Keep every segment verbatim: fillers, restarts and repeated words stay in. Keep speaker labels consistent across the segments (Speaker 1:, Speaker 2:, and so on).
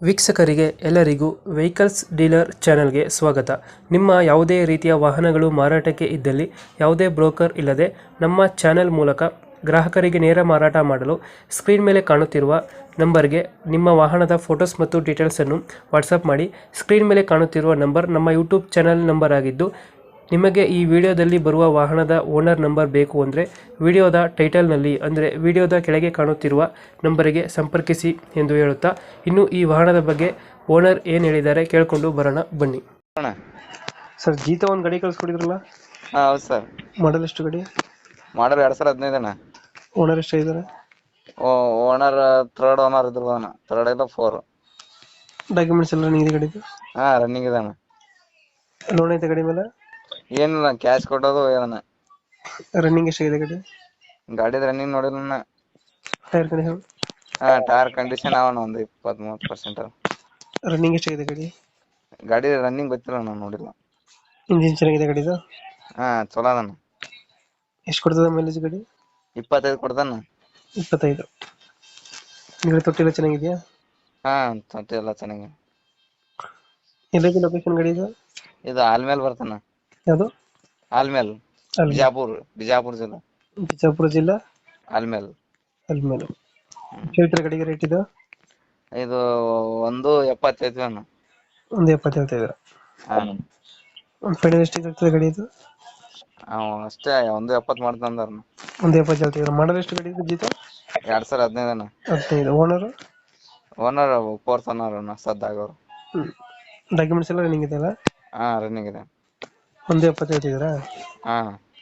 Speaker 1: ವೀಕ್ಷಕರಿಗೆ ಎಲ್ಲರಿಗೂ vehicles dealer ಚಾನೆಲ್ಗೆ ಸ್ವಾಗತ. ನಿಮ್ಮ ಯಾವುದೇ ರೀತಿಯ ವಾಹನಗಳು ಮಾರಾಟಕ್ಕೆ ಇದ್ದಲ್ಲಿ ಯಾವುದೇ ಬ್ರೋಕರ್ ಇಲ್ಲದೆ ನಮ್ಮ ಚಾನೆಲ್ ಮೂಲಕ ಗ್ರಾಹಕರಿಗೆ ನೇರ ಮಾರಾಟ ಮಾಡಲು ಸ್ಕ್ರೀನ್ ಮೇಲೆ ಕಾಣುತ್ತಿರುವ ನಂಬರ್ಗೆ ನಿಮ್ಮ ವಾಹನದ ಫೋಟೋಸ್ ಮತ್ತು ಡೀಟೇಲ್ಸನ್ನು ವಾಟ್ಸಪ್ ಮಾಡಿ. ಸ್ಕ್ರೀನ್ ಮೇಲೆ ಕಾಣುತ್ತಿರುವ ನಂಬರ್ ನಮ್ಮ ಯೂಟ್ಯೂಬ್ ಚಾನೆಲ್ ನಂಬರ್ ಆಗಿದ್ದು, ನಿಮಗೆ ಈ ವಿಡಿಯೋದಲ್ಲಿ ಬರುವ ವಾಹನದ ಓನರ್ ನಂಬರ್ ಬೇಕು ಅಂದರೆ ವಿಡಿಯೋದ ಟೈಟಲ್ನಲ್ಲಿ ಅಂದರೆ ವಿಡಿಯೋದ ಕೆಳಗೆ ಕಾಣುತ್ತಿರುವ ನಂಬರಿಗೆ ಸಂಪರ್ಕಿಸಿ ಎಂದು ಹೇಳುತ್ತಾ, ಇನ್ನು ಈ ವಾಹನದ ಬಗ್ಗೆ ಓನರ್ ಏನು ಹೇಳಿದ್ದಾರೆ ಕೇಳಿಕೊಂಡು ಬರೋಣ ಬನ್ನಿ.
Speaker 2: ಅಣ್ಣ
Speaker 1: ಸರ್, ಜೀತ ಒಂದು ಗಾಡಿ ಕಳಿಸ್ಕೊಡಿದ್ರಲ್ಲ,
Speaker 2: ಹಾ ಹೌದು ಸರ್.
Speaker 1: ಮಾಡಲ್ ಎಷ್ಟು ಗಾಡಿ?
Speaker 2: ಮಾಡಲ್ ಎರಡ್ ಸಾವಿರ ಹದಿನೈದು ಅಣ್ಣ.
Speaker 1: ಓನರ್ ಎಷ್ಟು ಇದ್ದಾರೆ?
Speaker 2: ಓನರ್ ಥರ್ಡ್ ಓನರ್ ಇದ್ರು ಅಣ್ಣ. ಥರ್ಡ್ ಇಲ್ಲ ಫೋರ್.
Speaker 1: ಡಾಕ್ಯುಮೆಂಟ್ಸ್ ಎಲ್ಲ ರನ್ನಿಂಗ್ ಇದೆ ಗಾಡಿದು?
Speaker 2: ಹಾ ರನ್ನಿಂಗ್ ಇದೆ ಅಣ್ಣ.
Speaker 1: ಲೋನ್ ಐತೆ ಗಾಡಿ ಮೇಲೆ?
Speaker 2: ಏನಿಲ್ಲ, ಕ್ಯಾಶ್ ಕೊಟ್ಟೋದು ಏನಣ್ಣ.
Speaker 1: ರನ್ನಿಂಗ್ ಎಷ್ಟಾಗಿದೆ ಗಾಡಿ?
Speaker 2: ಗಾಡಿದ ರನ್ನಿಂಗ್ ನೋಡಿಲ್ಲ ಅಣ್ಣ.
Speaker 1: Tyre condition?
Speaker 2: ಹಾ ಟೈರ್ ಕಂಡೀಷನ್ ಅವಣ್ಣ ಒಂದು ಇಪ್ಪತ್ತ್ ಮೂವತ್ತು ಪರ್ಸೆಂಟ್.
Speaker 1: ರನ್ನಿಂಗ್ ಎಷ್ಟಾಗಿದೆ ಗಾಡಿ?
Speaker 2: ಗಾಡಿ ರನ್ನಿಂಗ್ ಗೊತ್ತಿಲ್ಲ ಅಣ್ಣ, ನೋಡಿಲ್ಲ.
Speaker 1: ಇಂಜಿನ್ ಚೆನ್ನಾಗಿದೆ ಗಾಡಿದು?
Speaker 2: ಹಾ ಚಲೋ ಅದಣ್ಣ.
Speaker 1: ಎಷ್ಟು ಕೊಡ್ತದೆ ಮೈಲೇಜ್ ಗಾಡಿ?
Speaker 2: ಇಪ್ಪತ್ತೈದು ಕೊಡ್ತಾನ.
Speaker 1: ಇಪ್ಪತ್ತೈದು. ಗಾಡಿ ತೊಟ್ಟಿಲ್ಲ ಚೆನ್ನಾಗಿದೆಯಾ?
Speaker 2: ಹಾ ತೊಟ್ಟಿ ಎಲ್ಲ ಚೆನ್ನಾಗಿ.
Speaker 1: ಎಲ್ಲೈತೆ ಲೊಕೇಶನ್ ಗಾಡಿ ಇದು?
Speaker 2: ಇದು ಆಲ್ಮೇಲ್ ಬರ್ತಾನ.
Speaker 1: ಯಾವುದು?
Speaker 2: ಆಲ್ಮೇಲ್, ಬಿಜಾಪುರ್. ಬಿಜಾಪುರ ಜಿಲ್ಲಾ.
Speaker 1: ಬಿಜಾಪುರ ಜಿಲ್ಲಾ
Speaker 2: ಆಲ್ಮೇಲ್.
Speaker 1: ಅಲ್ಮೇಲು. ಹೇಳ್ತಾರೆ ಗಾಡಿಗೆ ರೇಟ್ ಇದು?
Speaker 2: ಇದು ಒಂದು ಎಪ್ಪತ್ತೈದು ಅಣ್ಣ.
Speaker 1: ಒಂದು ಎಪ್ಪತ್ತು ಹೇಳ್ತಾ
Speaker 2: ಹಾ
Speaker 1: ಒಂದು ಫೈನಲ್ ಎಷ್ಟಿಗೆ ಆಗ್ತದೆ ಗಾಡಿ ಇದು?
Speaker 2: ಅವ ಅಷ್ಟೇ ಒಂದು ಎಪ್ಪತ್ತು ಮಾಡ್ತಂದಾರ.
Speaker 1: ಒಂದು ಎಪ್ಪತ್ತು ಹೇಳ್ತಿದ್ರು. ಮಾಡಲ್ ಎಷ್ಟು ಗಾಡಿ ಇದು ಜೀತ?
Speaker 2: ಎರಡ್ ಸಾವಿರ ಹದಿನೈದು ಅಣ್ಣ.
Speaker 1: ಹದಿನೈದು. ಓನರು?
Speaker 2: ಓನರ್ ಫೋರ್ತ್ ಓನರ್ ಅಣ್ಣ, ಸದ್ದಾಗವ್ರು.
Speaker 1: ಹ್ಞೂ. ಡಾಕ್ಯುಮೆಂಟ್ಸ್ ಎಲ್ಲ ರನ್ನಿಂಗ್ ಇದೆಯಲ್ಲ?
Speaker 2: ಹಾ ರನ್ನಿಂಗ್ ಇದೆ.
Speaker 1: ಒಂದು ಎಪ್ಪತ್ತು ಹೇಳ್ತಿದ್ದೀರಾ?
Speaker 2: ಹಾ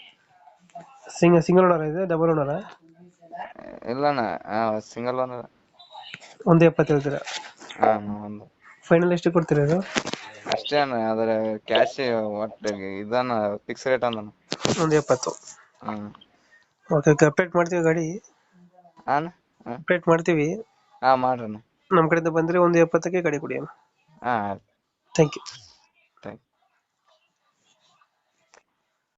Speaker 1: ಸಿಂಗ್ ಸಿಂಗಲ್ ಓನರ್ ಇದೆ, ಡಬಲ್ ಓನರಾ?
Speaker 2: ಇಲ್ಲ ಅಣ್ಣ, ಸಿಂಗಲ್ ಓನರ್.
Speaker 1: ಒಂದು ಎಪ್ಪತ್ತು ಹೇಳ್ತೀರಾ?
Speaker 2: ಹಾ ಒಂದು
Speaker 1: ಫೈನಲ್ ಎಷ್ಟು ಕೊಡ್ತೀರಾ ಇದು?
Speaker 2: ಅಷ್ಟೇ ಅಣ್ಣ. ಅದ್ರ ಕ್ಯಾಶ್ ಒಟ್ಟು ಇದನ್ನ ಫಿಕ್ಸ್ ರೇಟ್ ಅಂದಣ್ಣ.
Speaker 1: ಒಂದು ಎಪ್ಪತ್ತು.
Speaker 2: ಹಾ
Speaker 1: ಓಕೆ ಓಕೆ, ಅಪ್ಡೇಟ್ ಮಾಡ್ತೀವಿ ಗಾಡಿ.
Speaker 2: ಹಾಂ
Speaker 1: ಅಪ್ಡೇಟ್ ಮಾಡ್ತೀವಿ.
Speaker 2: ಹಾ ಮಾಡ್ರಣ್ಣ.
Speaker 1: ನಮ್ಮ ಕಡೆಯಿಂದ ಬಂದರೆ ಒಂದು ಎಪ್ಪತ್ತಕ್ಕೆ ಗಾಡಿ ಕೊಡಿ ಅಣ್ಣ.
Speaker 2: ಹಾ
Speaker 1: ಥ್ಯಾಂಕ್ ಯು.